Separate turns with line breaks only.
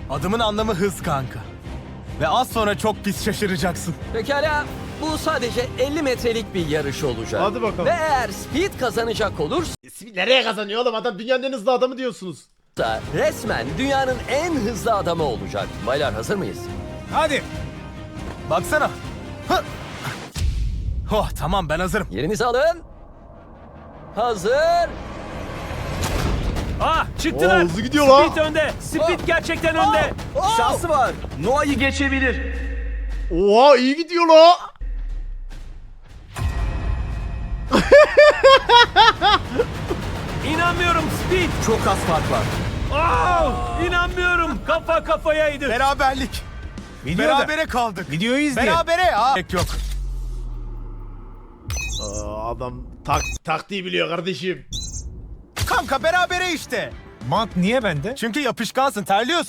Adımın anlamı hız kanka. Ve az sonra çok pis şaşıracaksın.
Pekala, bu sadece 50 metrelik bir yarış olacak.
Hadi bakalım.
Ve eğer Speed kazanacak olursa
Nereye kazanıyor oğlum? Adam dünyanın en hızlı adamı diyorsunuz.
resmen dünyanın en hızlı adamı olacak. Baylar, hazır mıyız?
Hadi. Baksana. Hı. Oh tamam, ben hazırım.
Yerinizi alın. Hazır.
Ah, çıktılar.
Oo, hızlı gidiyor lan.
Speed önde. Speed gerçekten önde.
Şansı
var. Noah'yı geçebilir.
Oha iyi gidiyor la.
İnanmıyorum Speed.
Çok az fark var.
Oh, inanmıyorum. Kafa kafayaydı.
Beraberlik. Berabere kaldık.
Videoyu izleyin.
Berabere ya. Gerek yok.
Adam taktiği biliyor kardeşim.
Kanka berabere işte.
Mant niye bende?
Çünkü yapışkansın, terliyorsun.